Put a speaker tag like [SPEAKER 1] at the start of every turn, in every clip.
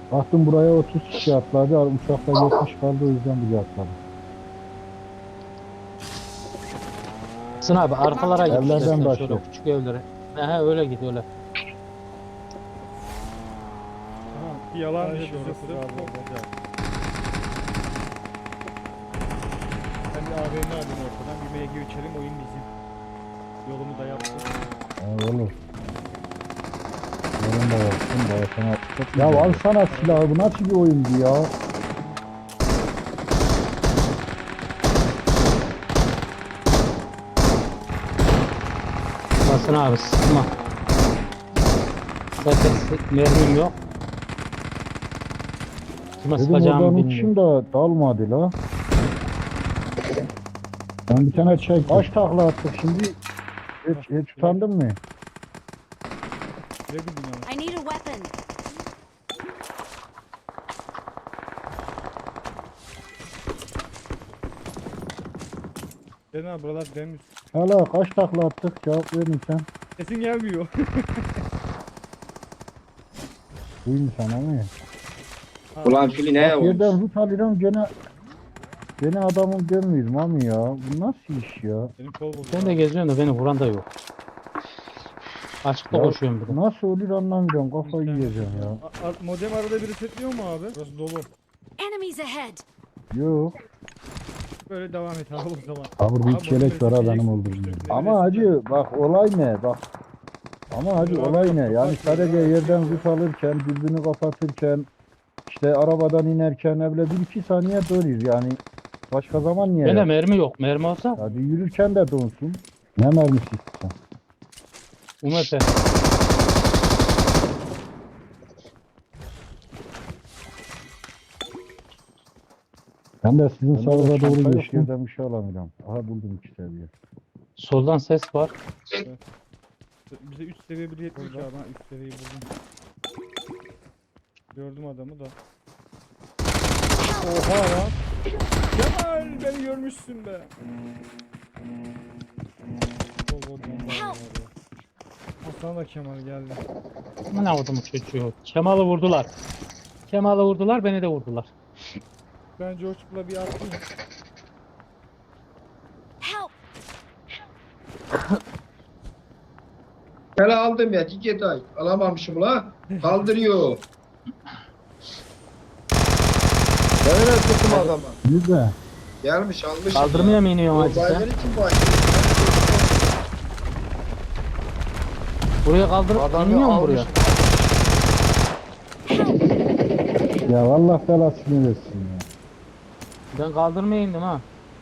[SPEAKER 1] Baktım buraya 30 kişi atladı. Uçakta 70 kaldı, o yüzden buraya atladı.
[SPEAKER 2] Sın abi arkalara git
[SPEAKER 1] Evlerden
[SPEAKER 2] istersen şöyle
[SPEAKER 1] başlıyor.
[SPEAKER 2] küçük evlere. He öyle git öyle.
[SPEAKER 3] Aha, bir yalan
[SPEAKER 4] Sadece
[SPEAKER 3] işi
[SPEAKER 4] bize
[SPEAKER 3] orası.
[SPEAKER 4] sıra
[SPEAKER 3] Çok
[SPEAKER 4] aldı.
[SPEAKER 3] güzel. Ben bir AVM alayım ortadan. Bir MG uçelim, oyun bizim. Yolumu da yaptım.
[SPEAKER 1] Olur. Yarın da yapsın. Daha sana... Ya al sana silahı. Bu nasıl bir oyundu ya?
[SPEAKER 2] Basın abi sıkma. Zaten mermim yok. Kime
[SPEAKER 1] Dedim
[SPEAKER 2] sıkacağımı
[SPEAKER 1] oradan
[SPEAKER 2] bilmiyorum.
[SPEAKER 1] uçayım da dalmadı la. Ben bir tane çek. Kaç takla attık şimdi? Hiç utandın mı?
[SPEAKER 3] Ne bileyim ama.
[SPEAKER 5] I need a weapon.
[SPEAKER 3] Ben abi buralar demiz.
[SPEAKER 1] Hala kaç takla attık? Cevap verin sen.
[SPEAKER 3] Sesin gelmiyor.
[SPEAKER 1] Duyun sana mı?
[SPEAKER 6] Ulan Fili ne
[SPEAKER 1] Bak
[SPEAKER 6] olmuş?
[SPEAKER 1] yerden rut alıyorum gene adamın görmüyorum abi ya. Bu nasıl iş ya?
[SPEAKER 3] Benim kol bozuldu.
[SPEAKER 2] Ben de geziyorum da beni vuran da yok. Açıkta
[SPEAKER 1] Ya
[SPEAKER 2] koşuyorum bir de.
[SPEAKER 1] nasıl olur anlamıyorum. Kafayı yiyeceğim ya.
[SPEAKER 3] Modem arada bir resetliyor mu abi? Burası dolu.
[SPEAKER 5] Enemies ahead.
[SPEAKER 1] Yok.
[SPEAKER 3] Böyle devam et abi o zaman.
[SPEAKER 1] Abi bir
[SPEAKER 3] Abi
[SPEAKER 1] çelek var ha
[SPEAKER 3] modemi
[SPEAKER 1] benim
[SPEAKER 3] resetleyelim.
[SPEAKER 1] olduğum. Ama hacı bak olay ne? Bak. Ama hacı olay ne? Yani sadece yerden rut alırken, dürbünü kapatırken, işte arabadan inerken evle 1-2 saniye duruyor yani. Başka zaman niye?
[SPEAKER 2] Bende
[SPEAKER 1] Yap?
[SPEAKER 2] mermi yok. Mermi olsa
[SPEAKER 1] Hadi yürürken de donsun. Ne mermisi istiyorsun?
[SPEAKER 2] UMP.
[SPEAKER 1] Ben de sizin sağlığa doğru
[SPEAKER 2] çanta yok
[SPEAKER 1] geçiyordan bir şey alamıyorum. Aha buldum 2 seviye.
[SPEAKER 2] Soldan ses var.
[SPEAKER 3] Bize 3 seviye bir yetmiş abi. Ben 3 seviyeyi buldum. Gördüm adamı da. Oha lan. Kemal beni görmüşsün be. Bol bol bomba var ya. Aslan da Kemal geldi.
[SPEAKER 2] Ne vurdum çocuğu. Kemal'ı vurdular. Kemal'ı vurdular beni de vurdular.
[SPEAKER 3] Ben Coşkut'la bir attım.
[SPEAKER 5] Help.
[SPEAKER 6] Hele aldım ya tiket ay. Alamamışım la. Kaldırıyor. Ben öyle tuttum adamı.
[SPEAKER 1] Güzel.
[SPEAKER 6] Gelmiş almış.
[SPEAKER 2] Kaldırmaya mı iniyorsun hacı sen?
[SPEAKER 6] Olayları kim başlıyor?
[SPEAKER 2] Buraya kaldırıp
[SPEAKER 6] Adamı
[SPEAKER 2] iniyor mu
[SPEAKER 6] almış.
[SPEAKER 2] buraya?
[SPEAKER 1] Ya Allah belasını versin ya.
[SPEAKER 2] Ben kaldırmaya indim ha.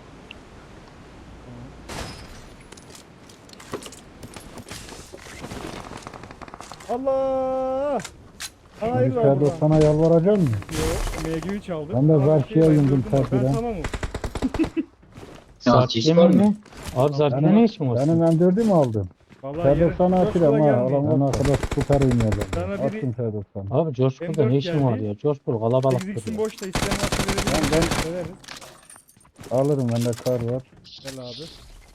[SPEAKER 3] Allah! Hayır var
[SPEAKER 1] Yukarıda
[SPEAKER 3] burada.
[SPEAKER 1] sana yalvaracak mı?
[SPEAKER 3] Yok, MG3 çaldım.
[SPEAKER 1] Ben de
[SPEAKER 3] Abi,
[SPEAKER 1] Zarki'ye
[SPEAKER 3] ben
[SPEAKER 1] yundum
[SPEAKER 3] gördüm bak,
[SPEAKER 1] terkiden.
[SPEAKER 3] Ben tamamım.
[SPEAKER 2] Zarkiye
[SPEAKER 6] hiç var
[SPEAKER 2] mi?
[SPEAKER 6] mı?
[SPEAKER 2] Abi Zarkiye ne işin var?
[SPEAKER 1] Benim M4'ü mü aldın?
[SPEAKER 3] Vallahi
[SPEAKER 1] T90'ı atırım ha. Adamın arkadaş süper oynuyorlar.
[SPEAKER 3] Sana biri-
[SPEAKER 1] Attım T90'ı.
[SPEAKER 2] Abi George Bull'da
[SPEAKER 3] M4
[SPEAKER 2] ne işin var
[SPEAKER 3] geldi.
[SPEAKER 2] ya? George Bull kalabalıktır
[SPEAKER 3] 8x'in
[SPEAKER 2] ya.
[SPEAKER 3] boşta isteyen varsa verebilirim.
[SPEAKER 1] Ben
[SPEAKER 3] Severiz.
[SPEAKER 1] alırım, bende kar var.
[SPEAKER 3] Gel abi.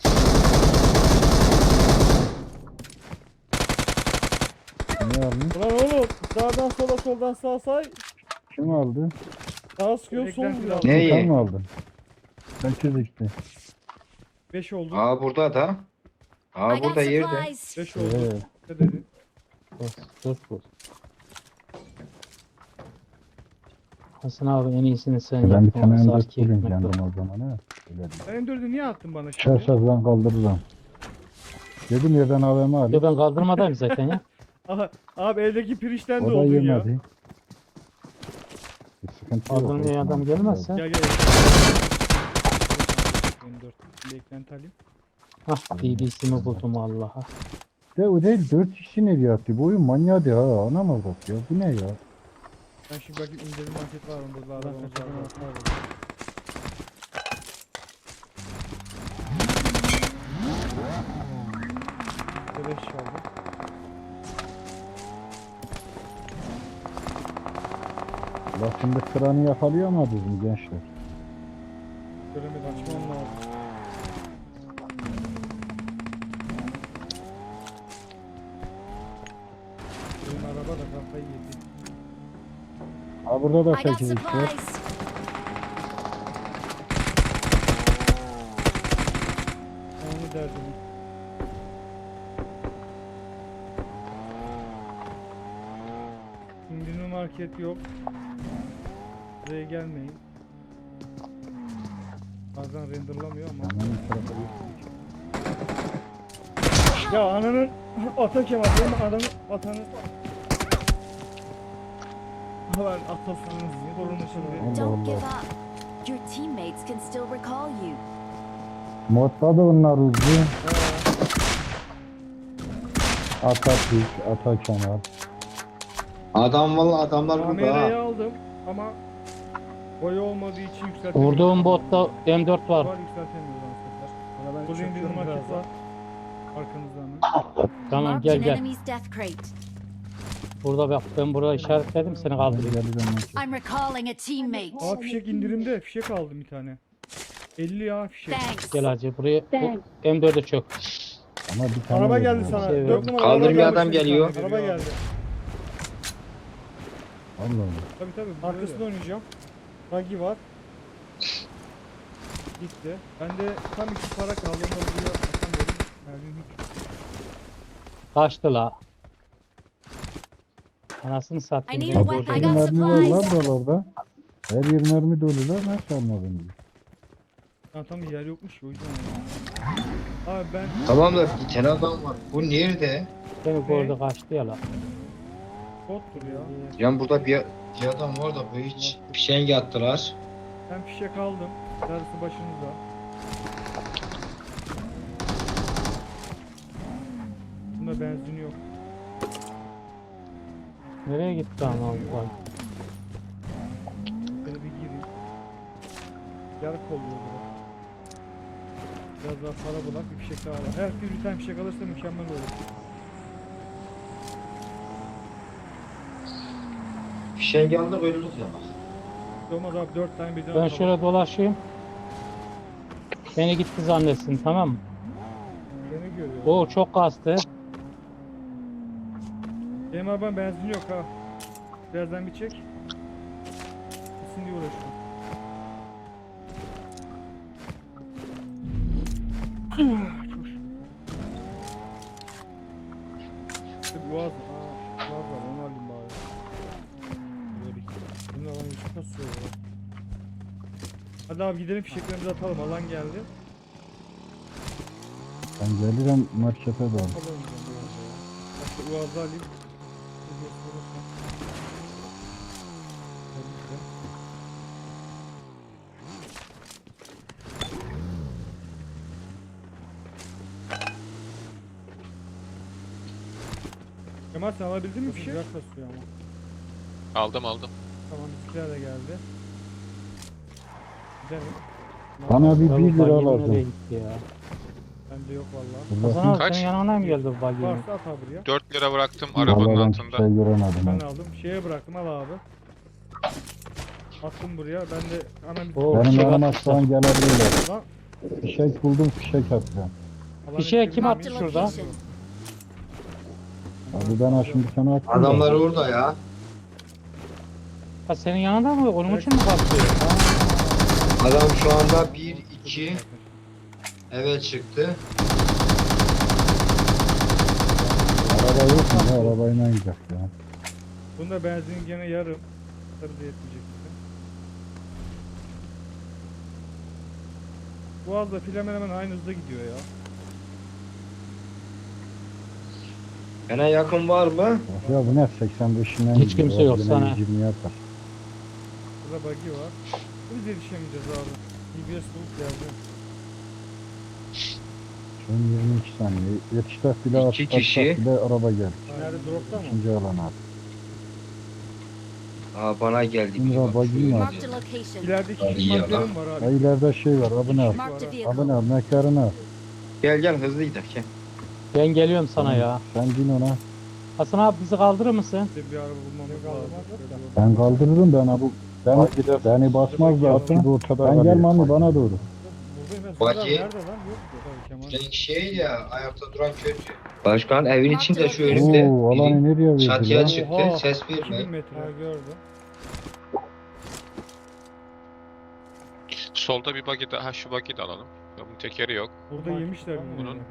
[SPEAKER 1] Niye aldın?
[SPEAKER 3] Ulan oğlum sağdan sola soldan sağa say.
[SPEAKER 1] Kim aldı?
[SPEAKER 3] Sağa sıkıyor sol vuruyor.
[SPEAKER 6] Ne?
[SPEAKER 1] Sen mi aldın? Ben çizikti.
[SPEAKER 3] 5 oldu.
[SPEAKER 6] Aa burada da. Aa
[SPEAKER 5] I got
[SPEAKER 6] burada yerde.
[SPEAKER 5] supplies.
[SPEAKER 3] 5 oldu.
[SPEAKER 1] Evet.
[SPEAKER 3] Ne dedin?
[SPEAKER 2] George Bull. Hasan abi en iyisini sen
[SPEAKER 1] Ben bir
[SPEAKER 2] yap.
[SPEAKER 1] tane M4
[SPEAKER 2] Zarkiye
[SPEAKER 1] bulayım
[SPEAKER 2] gitmek
[SPEAKER 1] kendim
[SPEAKER 2] yok.
[SPEAKER 1] o zaman ha. Öyle diyeyim.
[SPEAKER 3] Sen M4'ü niye attın bana şimdi?
[SPEAKER 1] Çarşaf ben kaldırırım. Dedim yerden AVM
[SPEAKER 2] Yo
[SPEAKER 1] alayım.
[SPEAKER 2] ben kaldırmadayım zaten ya.
[SPEAKER 3] Aha, abi eldeki pirinçten de
[SPEAKER 1] O da
[SPEAKER 3] oldun ya.
[SPEAKER 1] yemedi. Bir sıkıntı yok.
[SPEAKER 2] Kaldırmaya adam gelmezse.
[SPEAKER 3] Gel gel. M4. Bir eklenti alayım.
[SPEAKER 2] Hah BBC'mi buldum Allah'a.
[SPEAKER 1] De o değil 4 kişi nereye attı? Bu oyun manyadı ha. Anam bak ya. Bu ne ya?
[SPEAKER 3] Ben şimdi bakayım indirim market var mı burada arabamız var. Beleş çaldı.
[SPEAKER 1] La şimdi kranı yakalayamadınız mı gençler?
[SPEAKER 3] Göremedi açmam lazım. Benim araba da kafayı yedi.
[SPEAKER 1] Ha burada da
[SPEAKER 5] I got
[SPEAKER 1] 8x var.
[SPEAKER 5] supplies.
[SPEAKER 3] Onu derdim. İndirme market yok. Buraya gelmeyin. Bazen renderlamıyor ama.
[SPEAKER 1] Hemen bu tarafa bir-
[SPEAKER 3] Ya ananın ata Kemal benim adamı atanı. Lan atasınız sorunu şimdi.
[SPEAKER 1] Allah
[SPEAKER 5] Don't give
[SPEAKER 1] Allah.
[SPEAKER 5] up. Your teammates can still recall you.
[SPEAKER 1] Modda da onlar hızlı. Atatürk, Atakemal.
[SPEAKER 6] Adam valla adamlar burada
[SPEAKER 3] Kamerayı
[SPEAKER 6] ha.
[SPEAKER 3] aldım ama boyu olmadığı için yükseltemiyorum.
[SPEAKER 2] Vurduğum botta M4 var.
[SPEAKER 3] Var yükseltemiyoruz aslında.
[SPEAKER 4] Valla ben
[SPEAKER 3] Burada indirme
[SPEAKER 4] çöküyorum
[SPEAKER 3] market
[SPEAKER 4] birazdan.
[SPEAKER 3] var. Arkanızda mı?
[SPEAKER 2] Tamam
[SPEAKER 5] Marked
[SPEAKER 2] gel
[SPEAKER 5] an
[SPEAKER 2] gel.
[SPEAKER 5] enemy's death crate.
[SPEAKER 2] Burada bak ben burada işaretledim seni kaldırayım.
[SPEAKER 5] I'm recalling a teammate.
[SPEAKER 3] Aa fişek indirimde. Fişek aldım bir tane. 50 ya fişek.
[SPEAKER 5] Thanks.
[SPEAKER 2] Gel hacı buraya bu M4'e çök.
[SPEAKER 1] Ama bir tane
[SPEAKER 3] Araba
[SPEAKER 1] veriyor.
[SPEAKER 3] geldi sana.
[SPEAKER 2] Şey
[SPEAKER 3] 4 numara
[SPEAKER 6] Kaldırmıyor,
[SPEAKER 3] araba geldi
[SPEAKER 6] adam
[SPEAKER 3] şimdi
[SPEAKER 6] geliyor.
[SPEAKER 3] sana. Araba geldi.
[SPEAKER 1] Allah Allah.
[SPEAKER 3] Tabii arkasında oynayacağım. Ragi var. Gitti. Bende tam 2 para kaldı. Onu da buraya atamıyorum. Mermim hiç.
[SPEAKER 2] Kaçtı la. Anasını
[SPEAKER 5] I
[SPEAKER 2] satayım.
[SPEAKER 5] need
[SPEAKER 2] beni
[SPEAKER 5] a
[SPEAKER 2] burada.
[SPEAKER 5] weapon. I
[SPEAKER 1] Bir
[SPEAKER 5] got
[SPEAKER 1] mermi var lan
[SPEAKER 5] supplies.
[SPEAKER 1] buralarda. Her yer mermi dolu lan. Nasıl anladın?
[SPEAKER 3] Ha tam yer yokmuş ki, o yüzden. Abi ben
[SPEAKER 6] Tamam da bir tane adam var. Bu nerede?
[SPEAKER 2] Beni gördü kaçtı ya la.
[SPEAKER 3] bottur ya.
[SPEAKER 6] Yani burada bir adam var da bu hiç fişengi attılar.
[SPEAKER 3] Ben fişek aldım. Darısı başınıza. Bunda benzin yok.
[SPEAKER 2] Nereye gitti ama Allah.
[SPEAKER 3] Böyle bir gireyim. Yarık oluyor burada. Biraz daha para bulak bir fişek daha var. Herkes bir tane fişek alırsa mükemmel olur.
[SPEAKER 6] Fişengi aldık öldük ya bak.
[SPEAKER 3] Olmaz abi 4 tane birden
[SPEAKER 2] Ben
[SPEAKER 3] atalım.
[SPEAKER 2] şöyle dolaşayım. Beni gitti zannetsin tamam mı?
[SPEAKER 3] Beni görüyor.
[SPEAKER 2] O çok kastı.
[SPEAKER 3] Benim arabam benzin yok ha. Birazdan bir çek. Gitsin diye uğraşıyorum. Çok şükür. İşte bir boğaz var onu alayım bari. Böyle bir. Bunun alan yüzü nasıl soruyor? Hadi abi gidelim fişeklerimizi atalım, alan geldi.
[SPEAKER 1] Ben gelirim markete doğru.
[SPEAKER 3] Alalım ben biraz ya. Başka uazda alayım. Siz yok olursa. Hadi işte. Kemal sen alabildin mi fişek? Güzel kasıyor ama.
[SPEAKER 7] Aldım.
[SPEAKER 3] Tamam bizimkiler de geldi. Gidelim.
[SPEAKER 1] Bana bir
[SPEAKER 2] Ya
[SPEAKER 1] 1
[SPEAKER 2] bu
[SPEAKER 1] lira
[SPEAKER 2] bagi nereye
[SPEAKER 1] lazım.
[SPEAKER 2] gitti ya?
[SPEAKER 3] Bende yok vallahi.
[SPEAKER 2] Hasan
[SPEAKER 1] Burada
[SPEAKER 2] abi
[SPEAKER 7] Kaç?
[SPEAKER 2] senin yanına mı geldi bu bagi?
[SPEAKER 3] Varsa at abi buraya.
[SPEAKER 7] 4 lira bıraktım arabanın
[SPEAKER 1] Vallahi ben
[SPEAKER 7] altında.
[SPEAKER 1] hiçbir şey göremedim.
[SPEAKER 3] Ben
[SPEAKER 1] ha.
[SPEAKER 3] aldım. Şeye bıraktım al abi. Attım buraya. Ben de hemen bir
[SPEAKER 2] Oo,
[SPEAKER 1] Benim
[SPEAKER 2] fişek
[SPEAKER 1] yanıma
[SPEAKER 2] atmışlar.
[SPEAKER 1] şu an gelebilirler.
[SPEAKER 3] Lan,
[SPEAKER 1] Fişek buldum, fişek atacağım.
[SPEAKER 3] alanı
[SPEAKER 2] Fişeğe
[SPEAKER 3] çevirdim.
[SPEAKER 2] kim attı
[SPEAKER 5] Marked a
[SPEAKER 2] şurada?
[SPEAKER 5] location.
[SPEAKER 1] Abi ben ha şimdi sana attım. da.
[SPEAKER 6] Adamlar orada ya.
[SPEAKER 2] Ha senin yanında mı? Onun için mi kaçıyor?
[SPEAKER 6] Adam şu anda 1-2 eve çıktı.
[SPEAKER 1] Araba yok mu? Ne arabayla gidecek ya.
[SPEAKER 3] Bunda benzin gene yarım. Tabii de yetmeyecek bize. Boğaz'da fil hemen aynı hızda gidiyor ya.
[SPEAKER 6] Bana yakın var mı?
[SPEAKER 1] Bak ya bu ne 85'inden
[SPEAKER 2] Hiç kimse yok sana.
[SPEAKER 1] 120 yapar.
[SPEAKER 3] Burada buggy var. Biz yetişemeyeceğiz abi. DBS bulup geldi.
[SPEAKER 1] Şu an 22 saniye. Yetiştik bile
[SPEAKER 6] İki
[SPEAKER 1] atsak
[SPEAKER 6] kişi.
[SPEAKER 1] bile araba geldi.
[SPEAKER 3] Nerede dropta mı?
[SPEAKER 1] İkinci alan abi.
[SPEAKER 6] Aa bana geldi.
[SPEAKER 1] Şimdi
[SPEAKER 6] bak,
[SPEAKER 1] buggy
[SPEAKER 6] şöyle.
[SPEAKER 1] var.
[SPEAKER 5] Marked a location.
[SPEAKER 3] İleride iki
[SPEAKER 6] İyi ya
[SPEAKER 3] madderim var
[SPEAKER 1] Ha
[SPEAKER 3] abi.
[SPEAKER 1] ileride şey var. Abone al.
[SPEAKER 5] Marked a
[SPEAKER 1] Abone
[SPEAKER 5] vehicle.
[SPEAKER 1] al. Mekarını al.
[SPEAKER 6] Gel hızlı gidelim gel.
[SPEAKER 2] Ben geliyorum sana ya.
[SPEAKER 1] Sen bin ona.
[SPEAKER 2] Hasan abi bizi kaldırır mısın?
[SPEAKER 3] Bir araba bulmamız lazım.
[SPEAKER 1] Ben kaldırırım ben abi. Beni basmaz da atın. Ben gel Mami bana doğru.
[SPEAKER 3] Buradayım ben.
[SPEAKER 6] Buggy.
[SPEAKER 3] Nerede lan? Yok. Tabii Kemal.
[SPEAKER 6] Renk şey ya ayakta duran kötü. Başkan evin içinde şu önümde.
[SPEAKER 1] Oo alanı nereye verdi
[SPEAKER 6] Çatıya
[SPEAKER 1] lan?
[SPEAKER 6] çıktı.
[SPEAKER 3] Oha,
[SPEAKER 6] Ses
[SPEAKER 3] 2000
[SPEAKER 6] verme.
[SPEAKER 3] metre. Ha gördüm.
[SPEAKER 4] Solda bir buggy daha. Ha şu buggy de alalım. Bunun tekeri yok.
[SPEAKER 3] Burada yemişler bunu.
[SPEAKER 4] Bunun-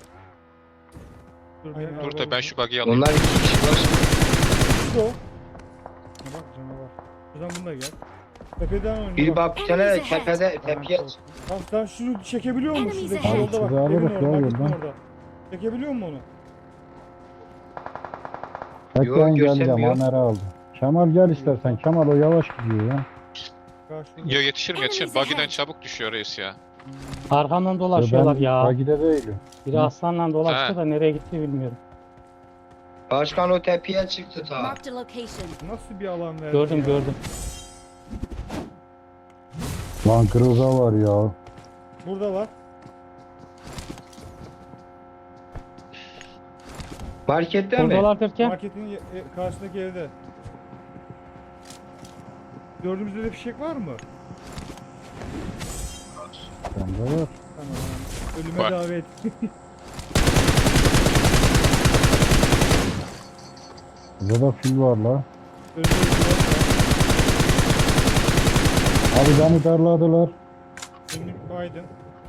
[SPEAKER 3] Dur,
[SPEAKER 2] Aynen.
[SPEAKER 3] ben
[SPEAKER 4] Dur
[SPEAKER 3] araba
[SPEAKER 4] da ben şu buggy'yi alayım.
[SPEAKER 6] Onlar 2 kişi var.
[SPEAKER 3] Şu. Ha bak canavar. Şuradan bunu da gel. Tepeden oyna
[SPEAKER 6] Bir
[SPEAKER 3] bak.
[SPEAKER 6] bak bir tane tepede tepeye
[SPEAKER 3] Bak sen şunu çekebiliyor musun?
[SPEAKER 5] Enemies
[SPEAKER 3] Şuradaki
[SPEAKER 5] ahead.
[SPEAKER 3] yolda bak.
[SPEAKER 1] Şuraya
[SPEAKER 3] Evin
[SPEAKER 1] alırız
[SPEAKER 3] orada.
[SPEAKER 1] ya
[SPEAKER 3] Bak gitme
[SPEAKER 1] yoldan.
[SPEAKER 3] orada. Çekebiliyor musun onu?
[SPEAKER 1] Bekleyin geleceğim.
[SPEAKER 6] göstermiyor.
[SPEAKER 1] Amer'i aldım. Kemal gel istersen. Kemal o yavaş gidiyor ya.
[SPEAKER 3] Bak şurada.
[SPEAKER 4] Yo yetişirim yetişirim.
[SPEAKER 5] Enemies
[SPEAKER 4] Buggy'den
[SPEAKER 5] ahead.
[SPEAKER 4] çabuk düşüyor reis ya.
[SPEAKER 2] Arkamdan dolaşıyorlar
[SPEAKER 1] Ben
[SPEAKER 2] ya.
[SPEAKER 1] Bagide değilim.
[SPEAKER 2] Biri aslanla dolaştı
[SPEAKER 4] He.
[SPEAKER 2] da nereye gitti bilmiyorum.
[SPEAKER 6] Başkan o tepeye çıktı ta.
[SPEAKER 5] Marked a location.
[SPEAKER 3] Nasıl bir alan verdi
[SPEAKER 2] Gördüm
[SPEAKER 3] ya?
[SPEAKER 2] gördüm.
[SPEAKER 1] Lan Groza var ya.
[SPEAKER 3] Burada var.
[SPEAKER 6] Marketten mi?
[SPEAKER 2] Buradalar derken
[SPEAKER 3] Marketin karşısındaki evde. Gördüğümüzde de fişek var mı?
[SPEAKER 1] Bende var.
[SPEAKER 3] Tamam. Ölüme
[SPEAKER 4] Var.
[SPEAKER 3] davet.
[SPEAKER 1] Burada da fil var la.
[SPEAKER 3] Önümde bir
[SPEAKER 1] Abi beni darladılar.
[SPEAKER 3] Önlük Biden.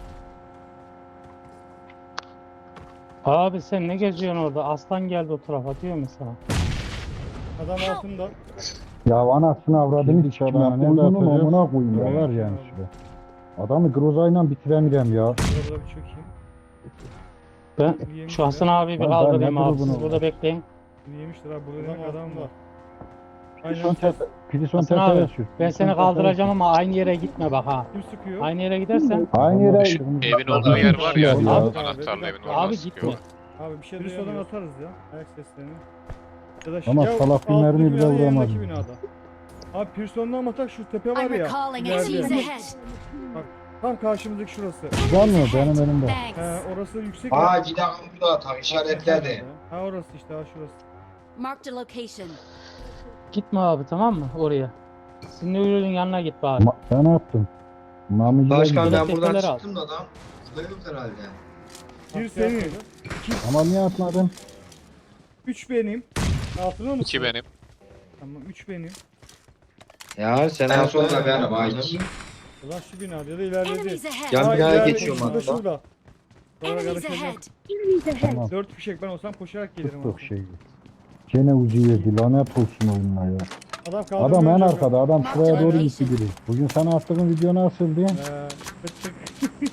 [SPEAKER 2] abi sen ne geziyorsun orada? Aslan geldi o tarafa diyor mu sana?
[SPEAKER 3] Adam altında.
[SPEAKER 1] Ya anasını avradını dışarıdan. Ne yapacağım? Amına koyayım ya
[SPEAKER 3] Evet.
[SPEAKER 1] var yani şurada. Adamı Groza'yla bitiremiyorum ya.
[SPEAKER 3] Burada bir çökeyim.
[SPEAKER 2] Ben
[SPEAKER 3] Yemişler.
[SPEAKER 2] şu Hasan abi bir
[SPEAKER 1] Ben
[SPEAKER 2] kaldırayım
[SPEAKER 1] ne
[SPEAKER 2] abi.
[SPEAKER 1] grubunu
[SPEAKER 2] Siz burada bekleyin.
[SPEAKER 3] Bunu yemişler abi. Burada demek adam var.
[SPEAKER 1] Prison
[SPEAKER 3] Aynen.
[SPEAKER 1] tepe. Prison
[SPEAKER 2] Hasan
[SPEAKER 1] tepeye
[SPEAKER 2] abi
[SPEAKER 1] sür.
[SPEAKER 2] ben seni kaldıracağım ama aynı yere gitme bak ha.
[SPEAKER 3] Kim sıkıyor?
[SPEAKER 2] Aynı yere gidersen
[SPEAKER 1] Aynı yere.
[SPEAKER 4] Şu evin olduğu yer var ya.
[SPEAKER 1] Abi,
[SPEAKER 4] Anahtarlı evin orada
[SPEAKER 2] abi
[SPEAKER 4] sıkıyor.
[SPEAKER 2] gitme.
[SPEAKER 3] Abi bir şey duyuyorlar. atarız ya. Ayak seslerini. Ya da
[SPEAKER 1] Ama
[SPEAKER 3] ya
[SPEAKER 1] salak bir
[SPEAKER 3] altındaki
[SPEAKER 1] mermi bile
[SPEAKER 3] binanın
[SPEAKER 1] vuramaz.
[SPEAKER 3] yanındaki binada. Abi Pearson'dan atak şu tepe var
[SPEAKER 5] I'm
[SPEAKER 3] ya.
[SPEAKER 5] recalling a
[SPEAKER 3] ileride.
[SPEAKER 5] team's ahead.
[SPEAKER 3] Tam karşımızdaki şurası.
[SPEAKER 1] Gelmiyor benim elimde.
[SPEAKER 3] He
[SPEAKER 5] Thanks.
[SPEAKER 3] orası yüksek.
[SPEAKER 6] Aa gidelim burada atak işaretledi.
[SPEAKER 3] Ha orası işte ha şurası.
[SPEAKER 5] Marked a location.
[SPEAKER 2] Gitme abi tamam mı oraya? Sinirli'nin yanına git bari.
[SPEAKER 1] Ben attım. Mami'ye
[SPEAKER 6] Başkan
[SPEAKER 1] gidiyor.
[SPEAKER 6] ben buradan
[SPEAKER 2] Tepeler al.
[SPEAKER 6] çıktım da adam. Burada yok herhalde.
[SPEAKER 3] Bir senin.
[SPEAKER 1] Ama niye atmadın?
[SPEAKER 3] 3 benim. Hatırlıyor musun?
[SPEAKER 4] 2 benim.
[SPEAKER 3] Tamam 3 benim.
[SPEAKER 6] Ya sen en sonunda benim Ayki.
[SPEAKER 3] Ulan şu binada ya da ileride.
[SPEAKER 5] Enemies ahead.
[SPEAKER 6] Yan
[SPEAKER 3] Ha,
[SPEAKER 6] binaya
[SPEAKER 3] ileride,
[SPEAKER 6] geçiyorum
[SPEAKER 3] şurada,
[SPEAKER 6] hatta.
[SPEAKER 3] şurada. Sonra
[SPEAKER 5] Enemies
[SPEAKER 3] karışacağım.
[SPEAKER 5] ahead.
[SPEAKER 1] Tamam.
[SPEAKER 3] 4 fişek ben olsam koşarak gelirim.
[SPEAKER 1] Çok
[SPEAKER 3] aslında.
[SPEAKER 1] şey. Gene ucu yedi. Lanet olsun oyununa ya.
[SPEAKER 3] Adam
[SPEAKER 1] Adam en
[SPEAKER 3] kaldırmıyor.
[SPEAKER 1] arkada. Adam şuraya doğru gitti biri. Bugün sana attığım video nasıldı?
[SPEAKER 3] Tık tık.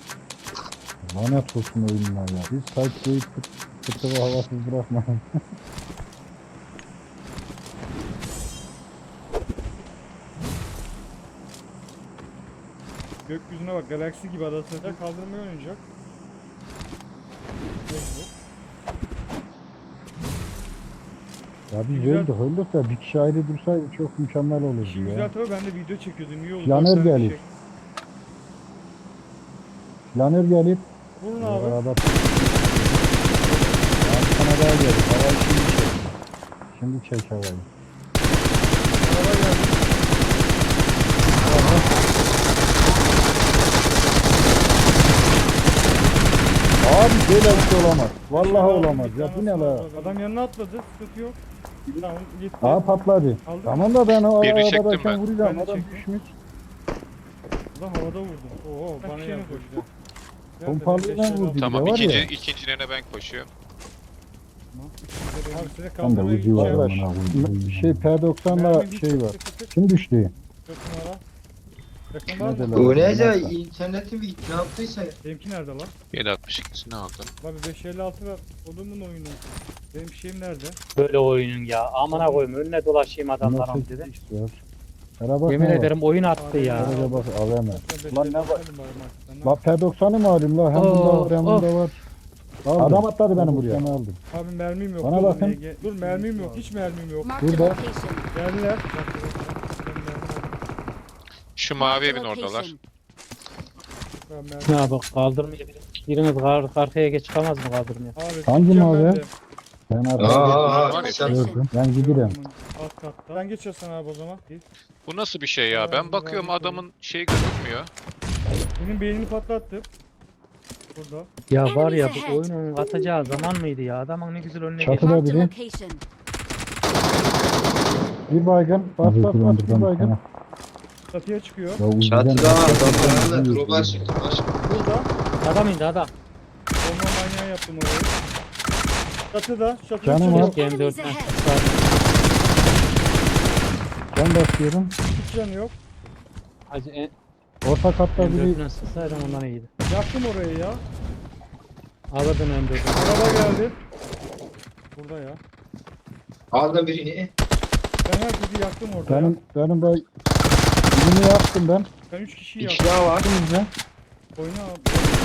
[SPEAKER 1] Lanet olsun oyununa ya. Biz sayıklayıp fıtığı havasız bırakma.
[SPEAKER 3] Gökyüzüne bak galaksi gibi adası. Kaldırmaya oynayacak. Mecbur.
[SPEAKER 1] Ya biz
[SPEAKER 3] Güzel.
[SPEAKER 1] öldük de bir kişi ayrı dursaydı çok mükemmel olurdu
[SPEAKER 3] İşin
[SPEAKER 1] ya.
[SPEAKER 3] güzel tabii ben de video çekiyordum. İyi oldu.
[SPEAKER 1] Planer
[SPEAKER 3] Dört tane
[SPEAKER 1] gelir.
[SPEAKER 3] fişek.
[SPEAKER 1] Planer gelip
[SPEAKER 3] Vurun abi.
[SPEAKER 1] arada sana daha gelir. Havayı şimdi çek. Şimdi çek havayı.
[SPEAKER 3] Araba geldi.
[SPEAKER 1] Abi böyle bir şey olamaz. Vallahi
[SPEAKER 3] Adam
[SPEAKER 1] olamaz.
[SPEAKER 3] bir
[SPEAKER 1] Ya bu ne
[SPEAKER 3] tane
[SPEAKER 1] la?
[SPEAKER 3] Adam yanına atladı. Sıkıntı yok. Tamam gitti.
[SPEAKER 1] Aa patladı.
[SPEAKER 3] Aldı.
[SPEAKER 1] Tamam da ben o
[SPEAKER 4] Birini çektim
[SPEAKER 1] arabadayken
[SPEAKER 4] ben.
[SPEAKER 1] vuracağım.
[SPEAKER 3] Ben de
[SPEAKER 1] Adam
[SPEAKER 3] çektim.
[SPEAKER 1] düşmüş.
[SPEAKER 3] Lan havada vurdum. Oo bana
[SPEAKER 2] şeyine
[SPEAKER 3] yandı.
[SPEAKER 2] koştu.
[SPEAKER 1] Pompalıyla vurdu.
[SPEAKER 4] Tamam
[SPEAKER 1] Bir de var ya.
[SPEAKER 4] ikincilerine ben koşuyorum.
[SPEAKER 3] Abi size
[SPEAKER 1] Tam da
[SPEAKER 3] kaldırmaya
[SPEAKER 1] ucu var.
[SPEAKER 3] gideceğim.
[SPEAKER 1] amına Şey P90'la şey var. Kim düştü?
[SPEAKER 3] 4 numara. Yakın var
[SPEAKER 1] Ne
[SPEAKER 3] mı?
[SPEAKER 1] de lan?
[SPEAKER 6] O neyse interneti mi gitti ne yaptıysa.
[SPEAKER 3] Benimki nerede lan?
[SPEAKER 4] 7.62'sini aldım.
[SPEAKER 3] Abi 556 ver. Odumun oyunu. Benim şeyim nerede?
[SPEAKER 2] Böyle oyunun ya. Amına koyayım önüne dolaşayım adamların
[SPEAKER 1] Nasıl
[SPEAKER 2] dedi.
[SPEAKER 1] istiyor? Araba
[SPEAKER 2] Yemin ederim oyun attı ya.
[SPEAKER 1] Araba bak AVM.
[SPEAKER 3] Ben
[SPEAKER 1] Lan ne
[SPEAKER 3] 556
[SPEAKER 1] var?
[SPEAKER 3] aldım bari marketten.
[SPEAKER 1] Bak P90'ı mı alayım la? Hem bunda var hem bunda var. Adam atladı benim buraya. Aldım.
[SPEAKER 3] Abi mermim yok.
[SPEAKER 1] Bana
[SPEAKER 3] Dur,
[SPEAKER 1] bakın.
[SPEAKER 3] Dur mermim yok. Hiç mermim yok.
[SPEAKER 5] Marked a
[SPEAKER 1] Burada.
[SPEAKER 5] location.
[SPEAKER 3] Geldiler.
[SPEAKER 4] Şu mavi
[SPEAKER 5] Marked
[SPEAKER 4] evin
[SPEAKER 5] a
[SPEAKER 4] oradalar.
[SPEAKER 5] location.
[SPEAKER 3] Ben mermim.
[SPEAKER 2] Ya bak kaldırmaya biriniz arkaya geç çıkamaz mı kaldırmaya?
[SPEAKER 3] Abi
[SPEAKER 1] Hangi
[SPEAKER 3] gideceğim
[SPEAKER 1] mavi?
[SPEAKER 3] ben de.
[SPEAKER 1] Ben
[SPEAKER 6] Aa,
[SPEAKER 1] artık
[SPEAKER 6] aa,
[SPEAKER 4] Var ya,
[SPEAKER 6] sen-
[SPEAKER 1] gördüm. Ben giderim.
[SPEAKER 3] Alt katta. Ben geçiyorsan abi o zaman. Git.
[SPEAKER 4] Bu nasıl bir şey ya? Ben bakıyorum adamın şeyi gözükmüyor.
[SPEAKER 3] Benim beynini patlattı. Burada.
[SPEAKER 2] Ya var ya bu oyunun atacağı zaman mıydı ya? Adamın ne güzel önüne
[SPEAKER 1] Çatı-
[SPEAKER 2] geçti.
[SPEAKER 5] Marked a
[SPEAKER 1] biri.
[SPEAKER 5] location.
[SPEAKER 1] Bir baygın. Bas bas bas bir baygın.
[SPEAKER 3] Çatıya çıkıyor.
[SPEAKER 1] Ya Uzi'den
[SPEAKER 6] Çatıda var
[SPEAKER 1] başka
[SPEAKER 6] adamlar.
[SPEAKER 1] bir
[SPEAKER 6] Drop'a
[SPEAKER 1] şey yok.
[SPEAKER 6] çıktı.
[SPEAKER 3] Burada.
[SPEAKER 2] Adam indi adam.
[SPEAKER 3] Bomba manyağı yaptım orayı. Çatıda. Çatıda
[SPEAKER 1] Canım
[SPEAKER 3] çıkıyor.
[SPEAKER 1] var.
[SPEAKER 2] M4'ten.
[SPEAKER 1] Ben basıyorum.
[SPEAKER 3] Hiç canı yok.
[SPEAKER 2] Hacı
[SPEAKER 1] Orta katta biri
[SPEAKER 2] M4'ten sıksaydım ondan iyiydi.
[SPEAKER 3] Yaktım orayı ya.
[SPEAKER 2] Alırdın M4'ü.
[SPEAKER 3] Araba geldi. Burada ya.
[SPEAKER 6] Aldım birini.
[SPEAKER 3] Ben herkesi yaktım orada ya.
[SPEAKER 1] benim de birini yaptım ben.
[SPEAKER 3] Ben 3 kişiyi
[SPEAKER 6] İki
[SPEAKER 3] yaktım.
[SPEAKER 6] daha var.
[SPEAKER 1] Şimdi
[SPEAKER 3] Oyna abi.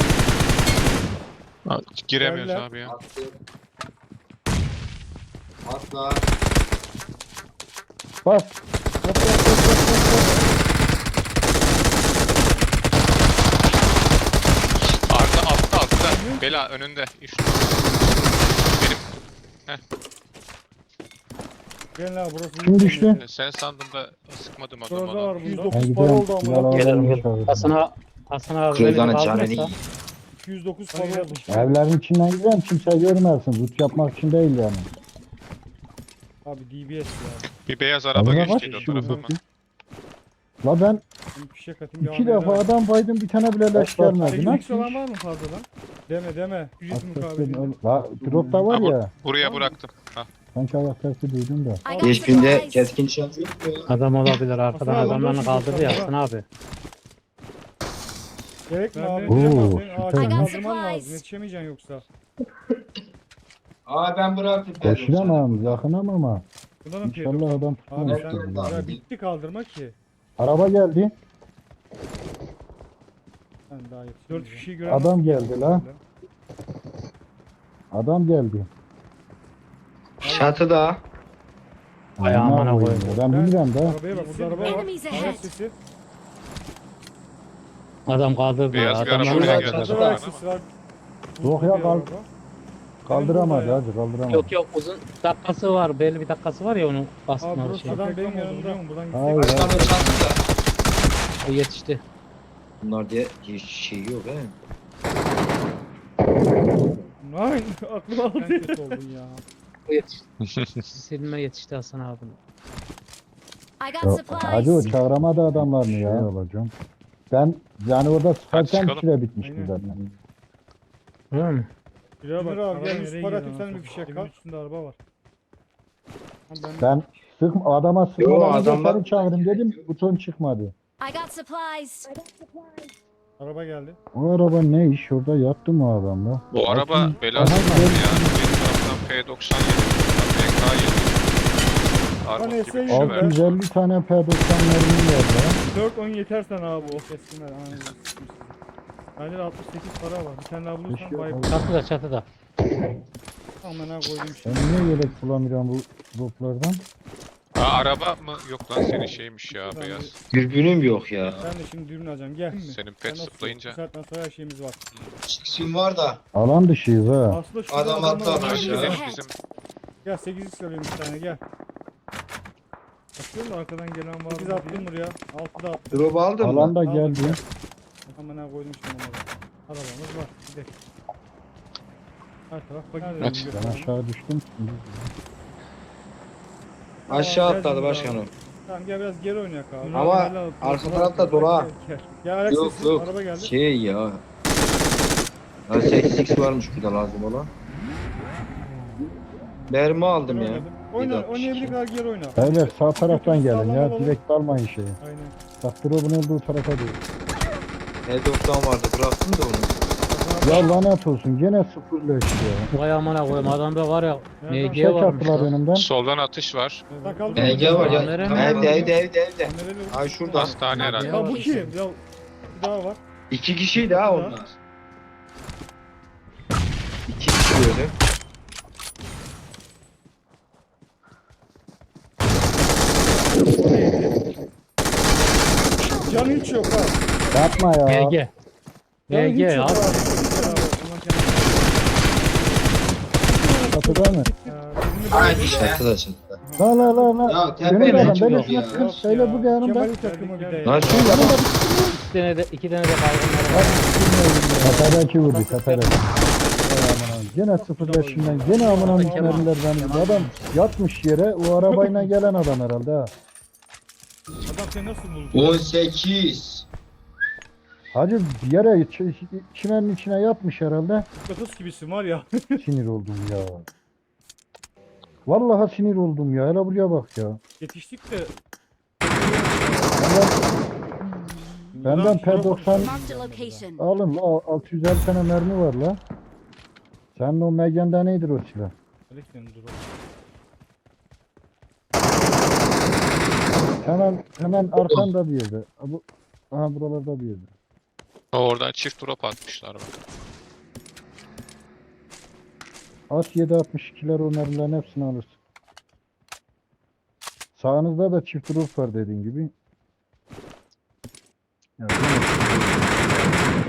[SPEAKER 4] Giremiyoruz
[SPEAKER 3] Geldiler.
[SPEAKER 4] abi ya.
[SPEAKER 6] Attım. Atla.
[SPEAKER 1] bas.
[SPEAKER 4] Arda altta. Bela önünde. Üçlü. Benim
[SPEAKER 3] Gelin abi burası.
[SPEAKER 1] Kim düştü?
[SPEAKER 4] sen sandım da sıkmadım adamı.
[SPEAKER 3] Şurada var.
[SPEAKER 4] Lan.
[SPEAKER 3] 109
[SPEAKER 1] Ben
[SPEAKER 3] para
[SPEAKER 1] gidelim.
[SPEAKER 3] oldu ama.
[SPEAKER 1] Silahları
[SPEAKER 2] Gelirim
[SPEAKER 1] alayım
[SPEAKER 2] gel.
[SPEAKER 1] çağırırım.
[SPEAKER 2] Hasan abi beni
[SPEAKER 6] Kırdanın canını
[SPEAKER 2] kaldırırsa
[SPEAKER 6] yiyeyim.
[SPEAKER 3] 209 para oldu.
[SPEAKER 1] Evlerin içinden gidelim kimse görmesin. Loot yapmak için değil yani.
[SPEAKER 3] Abi DBS ya.
[SPEAKER 4] Bir beyaz araba
[SPEAKER 1] Adına kaç
[SPEAKER 4] geçtiydi o
[SPEAKER 1] kişi
[SPEAKER 4] tarafa
[SPEAKER 1] vurdu
[SPEAKER 4] ama.
[SPEAKER 1] ki? La ben
[SPEAKER 3] Ben fişek atayım.
[SPEAKER 1] iki defa adam baydım bir tane bile leş gelmedi.
[SPEAKER 3] 8 olan
[SPEAKER 1] Nasıl?
[SPEAKER 3] var mı fazladan? Deme. Ücret mukabili.
[SPEAKER 1] La drop da var
[SPEAKER 4] Ha,
[SPEAKER 1] ya.
[SPEAKER 4] Buraya bıraktım. Ha.
[SPEAKER 1] Sanki ayak sesi duydum da.
[SPEAKER 5] I got
[SPEAKER 6] Geçkinde
[SPEAKER 5] supplies.
[SPEAKER 6] keskin nişancı yok mu ya?
[SPEAKER 2] adam olabilir arkadan
[SPEAKER 3] Hasan abi,
[SPEAKER 2] adamlarını
[SPEAKER 3] boş
[SPEAKER 2] kaldırdı ya
[SPEAKER 3] ver.
[SPEAKER 2] Hasan abi.
[SPEAKER 3] Gerek mi
[SPEAKER 1] Oo,
[SPEAKER 3] abi? Senin ağaçı
[SPEAKER 1] süper.
[SPEAKER 3] kaldırman lazım. Yetişemeyeceksin yoksa.
[SPEAKER 6] Aa ben bıraktım.
[SPEAKER 1] Koşulamam yakınam ama.
[SPEAKER 3] Bundan mı
[SPEAKER 1] İnşallah adam
[SPEAKER 3] Abi
[SPEAKER 1] tutmamıştır.
[SPEAKER 3] sen
[SPEAKER 6] Abi.
[SPEAKER 3] ya bitti kaldırma ki.
[SPEAKER 1] Araba geldi.
[SPEAKER 3] Ben daha yetişemeyeceğim. 4 kişiyi gören
[SPEAKER 1] Adam geldi la. Adam geldi.
[SPEAKER 6] Çatıda.
[SPEAKER 2] Ay amına
[SPEAKER 1] koyayım
[SPEAKER 2] koyayım.
[SPEAKER 1] ya. Ben bilmiyorum da.
[SPEAKER 3] Arabaya bak burada araba var.
[SPEAKER 5] Enemies ahead.
[SPEAKER 3] Ayak sesi.
[SPEAKER 2] Adam kaldırdı ya.
[SPEAKER 4] Beyaz bir araba
[SPEAKER 2] Adamlarını
[SPEAKER 4] oraya
[SPEAKER 6] Şurada
[SPEAKER 4] geldi.
[SPEAKER 6] çatıda
[SPEAKER 3] Burada ayak
[SPEAKER 4] Ama.
[SPEAKER 3] sesi var.
[SPEAKER 1] Yok ya,
[SPEAKER 3] Bir
[SPEAKER 1] kal-
[SPEAKER 3] araba.
[SPEAKER 1] Kaldıramadı
[SPEAKER 3] Benim burada
[SPEAKER 1] hacı kaldıramadı.
[SPEAKER 2] Yok uzun dakikası var. Belli bir dakikası var ya onu
[SPEAKER 3] Abi
[SPEAKER 2] basma
[SPEAKER 3] burası
[SPEAKER 2] şey.
[SPEAKER 3] adam benim yanımda. Buradan
[SPEAKER 1] Hayır,
[SPEAKER 3] gitsek.
[SPEAKER 1] hayır.
[SPEAKER 6] Başkanın çatıda.
[SPEAKER 2] O yetişti.
[SPEAKER 6] Bunlar diye hiç şey yok he.
[SPEAKER 3] Nein aklıma aldı. Sen kötü oldun ya.
[SPEAKER 2] O yetişti. Silme yetişti Hasan abi.
[SPEAKER 5] I got
[SPEAKER 1] Ya,
[SPEAKER 5] supplies.
[SPEAKER 1] hacı o çağıramadı adamlarını ya. Alacağım. Ben yani orada sıkarken
[SPEAKER 4] çıkalım.
[SPEAKER 1] süre bitmişti
[SPEAKER 3] Aynen.
[SPEAKER 1] zaten.
[SPEAKER 2] Değil mi?
[SPEAKER 3] Şuraya bak. Abi gel
[SPEAKER 7] nereye
[SPEAKER 3] 100 para
[SPEAKER 7] gidiyor
[SPEAKER 3] atayım sen
[SPEAKER 7] lan?
[SPEAKER 3] bir fişek kal. Üstünde araba var. Ben
[SPEAKER 1] Ben adama sıkmadan önce
[SPEAKER 6] adamlar-
[SPEAKER 1] seni çağırdım dedim buton çıkmadı.
[SPEAKER 5] I got supplies.
[SPEAKER 3] araba geldi.
[SPEAKER 1] O araba ne iş orada yattı mı o adam da?
[SPEAKER 4] Bu araba
[SPEAKER 1] Aha,
[SPEAKER 4] belası
[SPEAKER 1] aha,
[SPEAKER 4] var ya. Benim taraftan P97, PK7. Armut
[SPEAKER 3] Hani
[SPEAKER 4] gibi bir
[SPEAKER 3] şey
[SPEAKER 4] şey vermiş.
[SPEAKER 1] 650 tane P90 mermi verdi ya.
[SPEAKER 3] 4-10 yeter sana abi o keskinler. Bende de 68 para var. Bir tane daha bulursan
[SPEAKER 1] Keşke-
[SPEAKER 3] bay
[SPEAKER 2] Çatıda çatıda.
[SPEAKER 3] amına koydum
[SPEAKER 1] Ben
[SPEAKER 3] şimdi.
[SPEAKER 1] niye yelek bulamıyorum bu droplardan?
[SPEAKER 4] Ha, araba mı? Yok lan senin şeymiş ya
[SPEAKER 3] Ben
[SPEAKER 4] beyaz.
[SPEAKER 6] Dürbünüm yok ya.
[SPEAKER 3] Ben de şimdi dürbün alacağım. Gel mi?
[SPEAKER 4] Senin
[SPEAKER 3] Sen
[SPEAKER 4] pet
[SPEAKER 3] nasıl-
[SPEAKER 4] zıplayınca.
[SPEAKER 3] Bu saatten sonra her şeyimiz var.
[SPEAKER 6] Siksim var da.
[SPEAKER 1] Alan dışıyız ha.
[SPEAKER 3] Aslında şurada
[SPEAKER 6] Adam
[SPEAKER 3] adamlar
[SPEAKER 6] atladı
[SPEAKER 3] var.
[SPEAKER 6] aşağı.
[SPEAKER 4] Bizim
[SPEAKER 3] Gel 8x söyleyeyim bir tane gel. Bakıyorum da arkadan gelen var. 8 attım buraya. 6 da attım.
[SPEAKER 6] Drop aldın mı?
[SPEAKER 1] Alan da geldi.
[SPEAKER 3] Amına koydum şimdi onları. Arabamız var. Gidelim. Her taraf
[SPEAKER 4] Aç.
[SPEAKER 3] bakayım.
[SPEAKER 1] Ben aşağı düştüm.
[SPEAKER 6] Aşağı
[SPEAKER 3] Tamam,
[SPEAKER 6] atladı
[SPEAKER 3] gel
[SPEAKER 6] başkanım.
[SPEAKER 3] Tamam gel biraz geri oynayak abi.
[SPEAKER 6] Ama
[SPEAKER 3] Gel abi,
[SPEAKER 6] arka
[SPEAKER 3] gel,
[SPEAKER 6] tarafta
[SPEAKER 3] gel,
[SPEAKER 6] dolu ha.
[SPEAKER 3] gel, gel. Ya ayak
[SPEAKER 6] Yok
[SPEAKER 3] sesi,
[SPEAKER 6] yok.
[SPEAKER 3] araba geldi.
[SPEAKER 6] Şey ya. Ya 8x varmış bir de lazım olan. Mermi aldım ya.
[SPEAKER 3] Oyna,
[SPEAKER 6] 7.62.
[SPEAKER 3] oynayabildiği kadar geri oyna.
[SPEAKER 1] Beyler sağ taraftan gelin
[SPEAKER 3] Sağlam
[SPEAKER 1] ya.
[SPEAKER 3] olalım.
[SPEAKER 1] Direkt dalmayın şeyi.
[SPEAKER 3] Aynen.
[SPEAKER 1] Bak drop'un olduğu tarafa değil.
[SPEAKER 6] H90 vardı bıraktım da onu.
[SPEAKER 1] Ya lanet olsun gene sıfırla işte ya.
[SPEAKER 2] Vay amına koyayım adamda var ya.
[SPEAKER 3] Nereden?
[SPEAKER 2] MG
[SPEAKER 1] Çek
[SPEAKER 2] varmış
[SPEAKER 1] attılar
[SPEAKER 2] lan.
[SPEAKER 1] önümden.
[SPEAKER 4] soldan atış var.
[SPEAKER 3] Sen kaldın mı?
[SPEAKER 6] EG var ya.
[SPEAKER 2] Kamera
[SPEAKER 6] Evde
[SPEAKER 2] mı?
[SPEAKER 6] evde.
[SPEAKER 3] Kamerayla vur.
[SPEAKER 6] Ay şurada.
[SPEAKER 4] Hastane herhalde.
[SPEAKER 3] Ya bu kim? Ya bir daha var.
[SPEAKER 6] 2 kişiydi ha onlar. 2 kişi böyle.
[SPEAKER 3] Canı hiç yok ha.
[SPEAKER 1] Yapma ya.
[SPEAKER 2] MG.
[SPEAKER 3] Canı hiç
[SPEAKER 2] MG
[SPEAKER 3] yok
[SPEAKER 2] ya.
[SPEAKER 3] ha.
[SPEAKER 1] Kapıda mı?
[SPEAKER 6] Aynı işte. Çatıda çatıda.
[SPEAKER 1] La.
[SPEAKER 6] Ya
[SPEAKER 1] Önümde
[SPEAKER 6] tepede
[SPEAKER 1] adam.
[SPEAKER 6] hiç
[SPEAKER 1] Ben
[SPEAKER 6] yok
[SPEAKER 1] üstüne
[SPEAKER 6] ya.
[SPEAKER 1] sıkır. Söyle bu yanımda.
[SPEAKER 3] Kemal'in takımı bir de.
[SPEAKER 6] Lan şu
[SPEAKER 1] Yanımda
[SPEAKER 2] İki tane de baygınlar var.
[SPEAKER 1] Tepedeki vurdu tepede. Gene sıfırla şimdiden. Gene amına müşteriler beni. Adam yatmış yere. O arabayla gelen adam herhalde ha.
[SPEAKER 3] Adam Harita nasıl buldun?
[SPEAKER 6] 18.
[SPEAKER 1] Hacı yere çimenin içine yatmış herhalde.
[SPEAKER 3] Mıknatıs gibisin var ya.
[SPEAKER 1] Sinir oldum ya. Vallahi sinir oldum ya. Hele buraya bak ya.
[SPEAKER 3] Yetiştik de.
[SPEAKER 1] Benden
[SPEAKER 3] Ulan
[SPEAKER 1] P90
[SPEAKER 5] Marked a location.
[SPEAKER 1] alın la 650 tane mermi var la. Senin o Megan'da nedir o silah?
[SPEAKER 3] Alex'in dur.
[SPEAKER 1] Hemen arkanda bir yerde. Aha buralarda bir yerde.
[SPEAKER 4] Oradan çift drop atmışlar bak.
[SPEAKER 1] At 7.62'ler o mermilerin hepsini alırsın. Sağınızda da çift drop var dediğin gibi. Ya, değil mi?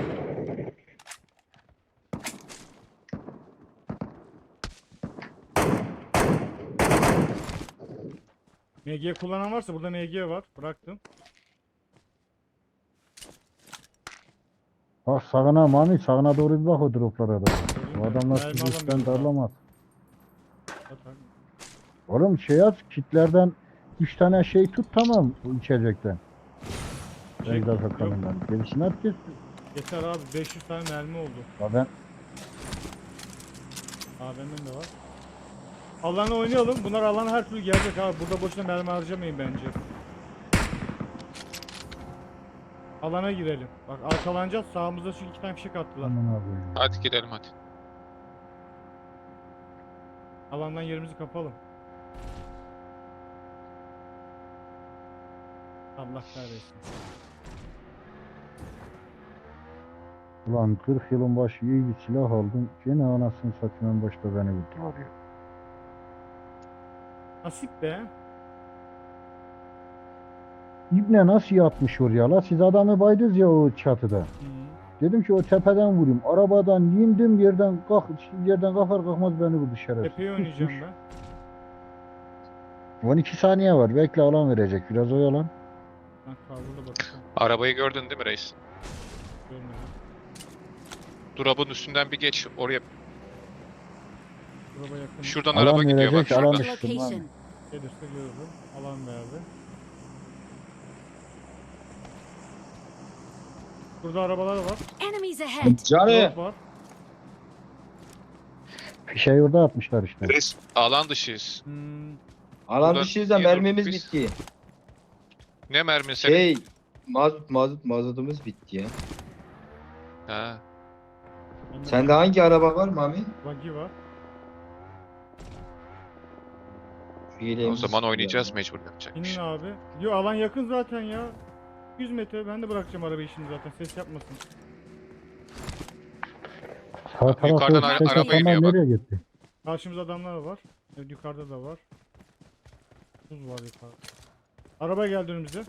[SPEAKER 3] MG kullanan varsa burada MG var. Bıraktım.
[SPEAKER 1] Bak sağına Mami sağına doğru bir bak o droplara da. Bu adamlar
[SPEAKER 3] Mermi
[SPEAKER 1] sizi üstten
[SPEAKER 3] alamıyorum
[SPEAKER 1] darlamaz.
[SPEAKER 3] Atar.
[SPEAKER 1] Oğlum şey yaz kitlerden 3 tane şey tut tamam bu içecekten.
[SPEAKER 3] Şey,
[SPEAKER 1] Ejder
[SPEAKER 3] yok.
[SPEAKER 1] kanından. Gerisini at kes.
[SPEAKER 3] Yeter abi 500 tane mermi oldu.
[SPEAKER 1] Ya ben
[SPEAKER 3] AVM'm de var. Alana oynayalım. Bunlar alana her türlü gelecek abi. Burada boşuna mermi harcamayın bence. Alana girelim. Bak arkalanacağız. Sağımızda çünkü 2 tane fişek attılar.
[SPEAKER 1] aman abi.
[SPEAKER 4] Hadi gidelim hadi.
[SPEAKER 3] Alandan yerimizi kapalım. Allah kahretsin.
[SPEAKER 1] Ulan 40 yılın başı iyi bir silah aldım. Gene anasını satayım en başta beni vurdular ya.
[SPEAKER 3] Nasip be.
[SPEAKER 1] İbne nasıl yapmış oraya la? Siz adamı baydınız ya o çatıda.
[SPEAKER 3] Hı.
[SPEAKER 1] Dedim ki o tepeden vurayım. Arabadan indim yerden kalkar kalkmaz beni vurdu şerefsiz.
[SPEAKER 3] Tepeye oynayacağım
[SPEAKER 1] Kusmuş.
[SPEAKER 3] ben.
[SPEAKER 1] 12 saniye var. Bekle alan verecek. Biraz oyalan.
[SPEAKER 3] Ben kavurda bakacağım.
[SPEAKER 4] Arabayı gördün değil mi reis?
[SPEAKER 3] Görmedim.
[SPEAKER 4] Drop'un üstünden bir geç oraya.
[SPEAKER 3] Buraya yakın.
[SPEAKER 4] Şuradan
[SPEAKER 1] Alan
[SPEAKER 4] araba gidiyor bak
[SPEAKER 1] verecek, alan
[SPEAKER 4] şuradan.
[SPEAKER 5] Marked a
[SPEAKER 1] düştüm lan.
[SPEAKER 5] location.
[SPEAKER 3] Gelirse görürüm. Alan verdi. Burada arabalar var.
[SPEAKER 5] Enemies ahead.
[SPEAKER 6] Canı.
[SPEAKER 3] Drop var.
[SPEAKER 1] Fişeği orada atmışlar işte.
[SPEAKER 4] Reis alan dışıyız.
[SPEAKER 6] Alan
[SPEAKER 4] Buradan
[SPEAKER 6] dışıyız da
[SPEAKER 4] niye
[SPEAKER 6] mermimiz
[SPEAKER 4] durduk biz?
[SPEAKER 6] bitti.
[SPEAKER 4] Ne mermi senin?
[SPEAKER 6] Şey mazotumuz bitti ya.
[SPEAKER 4] Ha.
[SPEAKER 3] Bende
[SPEAKER 6] Sende hangi araba var Mami?
[SPEAKER 3] buggy var.
[SPEAKER 6] Şu
[SPEAKER 4] O
[SPEAKER 6] yeleğimizi
[SPEAKER 4] zaman
[SPEAKER 6] sıkıyor
[SPEAKER 4] oynayacağız
[SPEAKER 6] ya.
[SPEAKER 4] mecbur yapacak bir
[SPEAKER 3] İnin
[SPEAKER 4] şey.
[SPEAKER 3] abi. Yo alan yakın zaten ya. 100 metre ben de bırakacağım arabayı şimdi zaten ses yapmasın.
[SPEAKER 1] Sağ
[SPEAKER 4] Yukarıdan
[SPEAKER 1] tarafta ses
[SPEAKER 4] araba iniyor
[SPEAKER 1] atanlar
[SPEAKER 4] bak.
[SPEAKER 1] nereye gitti?
[SPEAKER 3] Karşımızda adamlar var. Evet, yukarıda da var. Buz var yukarıda. Araba geldi önümüze.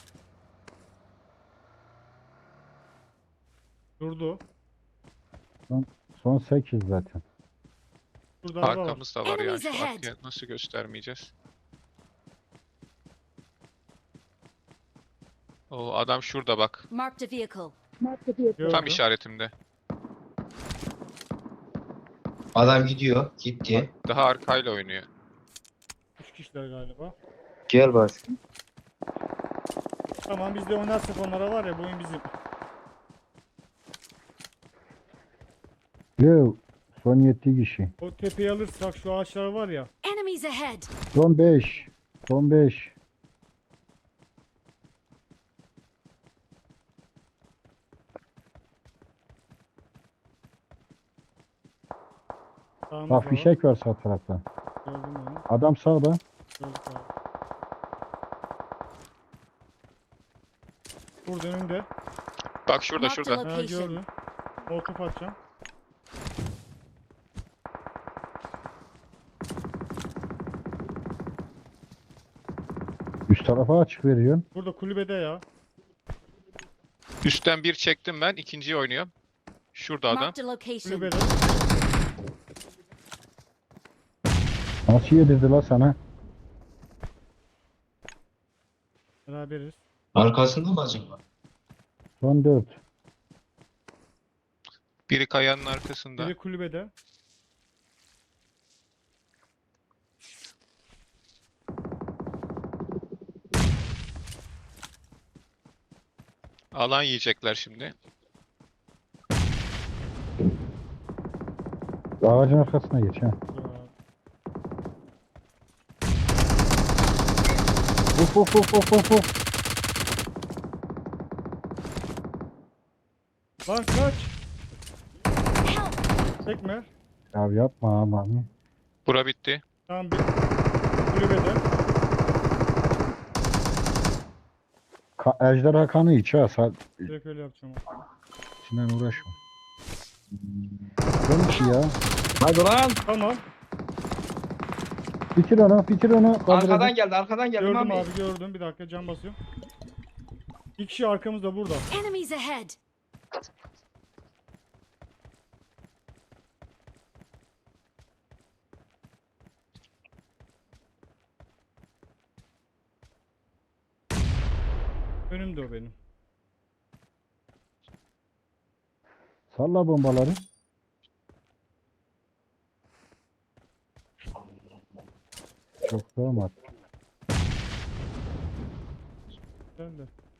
[SPEAKER 3] Durdu.
[SPEAKER 1] Son 8 zaten.
[SPEAKER 3] Burada araba var.
[SPEAKER 4] Arkamızda var yani.
[SPEAKER 5] Enemies
[SPEAKER 4] Şu
[SPEAKER 5] ahead.
[SPEAKER 4] arkaya nasıl göstermeyeceğiz? O adam şurada bak.
[SPEAKER 5] Marked a vehicle.
[SPEAKER 3] Gördüm.
[SPEAKER 4] Tam işaretimde.
[SPEAKER 6] Adam gidiyor. Gitti.
[SPEAKER 4] Daha arkayla oynuyor.
[SPEAKER 3] 3 kişiler galiba.
[SPEAKER 6] Gel başkan.
[SPEAKER 3] Tamam biz de oynarsak onlara var ya bu oyun bizim.
[SPEAKER 1] Yo, son 7 kişi.
[SPEAKER 3] O tepeyi alırsak şu ağaçlar var ya.
[SPEAKER 5] Enemies ahead.
[SPEAKER 1] Son 5. Son 5.
[SPEAKER 3] Sağımızda
[SPEAKER 1] Bak
[SPEAKER 3] var.
[SPEAKER 1] fişek var sağ tarafta.
[SPEAKER 3] Gördüm onu.
[SPEAKER 1] Adam sağda.
[SPEAKER 3] Gördük abi. Burada önünde.
[SPEAKER 4] Bak şurada
[SPEAKER 5] Marked a
[SPEAKER 4] şurada.
[SPEAKER 3] Ha
[SPEAKER 5] location.
[SPEAKER 3] gördüm. Molotof atacağım.
[SPEAKER 1] Üst tarafa açık veriyorsun.
[SPEAKER 3] Burada kulübede ya.
[SPEAKER 4] Üstten bir çektim ben. İkinciyi oynuyorum. Şurada adam.
[SPEAKER 5] Marked a location.
[SPEAKER 3] Kulübede.
[SPEAKER 1] Nasıl yedirdi la sana?
[SPEAKER 3] Beraberiz.
[SPEAKER 6] Arkasında mı acaba?
[SPEAKER 1] Son 4.
[SPEAKER 4] Biri kayanın arkasında.
[SPEAKER 3] Biri kulübede.
[SPEAKER 4] Alan yiyecekler şimdi.
[SPEAKER 1] Ağacın arkasına geç ha. Uf uf uf uf uf uf.
[SPEAKER 3] Lan kaç.
[SPEAKER 5] Help!
[SPEAKER 3] Tekme.
[SPEAKER 1] Ya yapma aman.
[SPEAKER 4] Bura bitti.
[SPEAKER 3] Tamam bir. Kulübede.
[SPEAKER 1] Ejderha kanı iç ha.
[SPEAKER 3] Direkt öyle yapacağım.
[SPEAKER 1] İçinden uğraşma. Dönüş ya.
[SPEAKER 6] Hadi lan.
[SPEAKER 3] Tamam.
[SPEAKER 1] Bitir onu, bitir onu.
[SPEAKER 6] Arkadan geldi, arkadan geldi.
[SPEAKER 3] Gördüm
[SPEAKER 6] Mami.
[SPEAKER 3] abi gördüm. Bir dakika cam basıyorum. İki kişi arkamızda burada.
[SPEAKER 5] Enemies ahead!
[SPEAKER 3] Önümde o benim.
[SPEAKER 1] Salla bombaları. Çok sığamadı.
[SPEAKER 3] Sen de.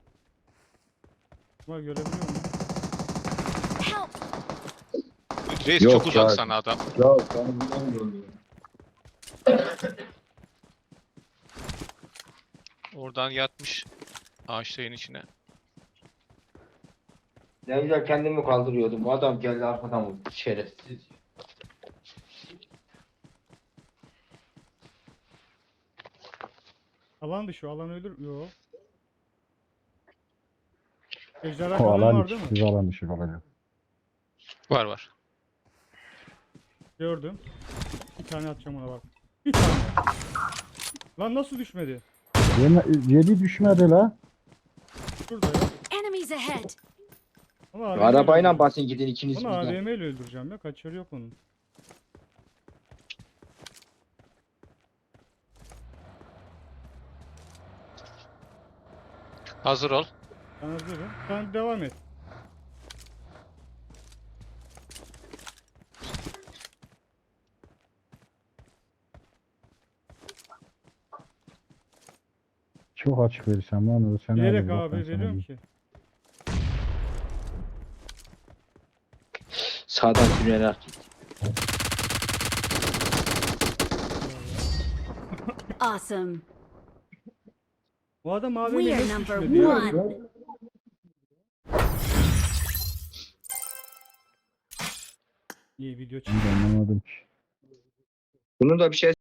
[SPEAKER 3] Ama görebiliyor musun?
[SPEAKER 5] Help!
[SPEAKER 4] Reis
[SPEAKER 6] Yok
[SPEAKER 4] çok uzak
[SPEAKER 6] ya.
[SPEAKER 4] sana adam.
[SPEAKER 6] Ya sen bilmiyorum.
[SPEAKER 4] Oradan yatmış ağaçların içine.
[SPEAKER 6] Ne güzel kendimi kaldırıyordum. Bu adam geldi arkadan vurdu. Şerefsiz.
[SPEAKER 3] Alan dışı, alan ölür. Yo. Ejderha
[SPEAKER 1] O
[SPEAKER 3] kanı
[SPEAKER 1] alan
[SPEAKER 3] var değil mi?
[SPEAKER 1] siz alan dışı olacak.
[SPEAKER 4] Var var.
[SPEAKER 3] Gördüm. Bir tane atacağım ona bak. Bir tane. Lan nasıl düşmedi?
[SPEAKER 1] Yedi düşmedi la.
[SPEAKER 3] Şurada ya.
[SPEAKER 5] Enemies ahead!
[SPEAKER 3] Ama AVM
[SPEAKER 6] Arabayla
[SPEAKER 3] ile
[SPEAKER 6] basın gidin ikiniz
[SPEAKER 3] Onu
[SPEAKER 6] birden.
[SPEAKER 3] AVM ile öldüreceğim ya. Kaçarı yok onun.
[SPEAKER 4] Hazır ol.
[SPEAKER 3] Ben hazırım. Sen devam et.
[SPEAKER 1] Çok açık verirsem lan o seni
[SPEAKER 3] Bilerek
[SPEAKER 1] alır, bak
[SPEAKER 3] abi
[SPEAKER 1] ben sana
[SPEAKER 3] veriyorum
[SPEAKER 1] diyeyim.
[SPEAKER 3] ki.
[SPEAKER 6] Sağdan sürünerek git.
[SPEAKER 5] Awesome!
[SPEAKER 3] Bu adam AVM
[SPEAKER 5] We are
[SPEAKER 3] nasıl
[SPEAKER 5] number
[SPEAKER 3] düşmedi ya?
[SPEAKER 5] one!
[SPEAKER 3] İyi video
[SPEAKER 1] Ben de anlamadım ki.
[SPEAKER 6] Bunun da bir şey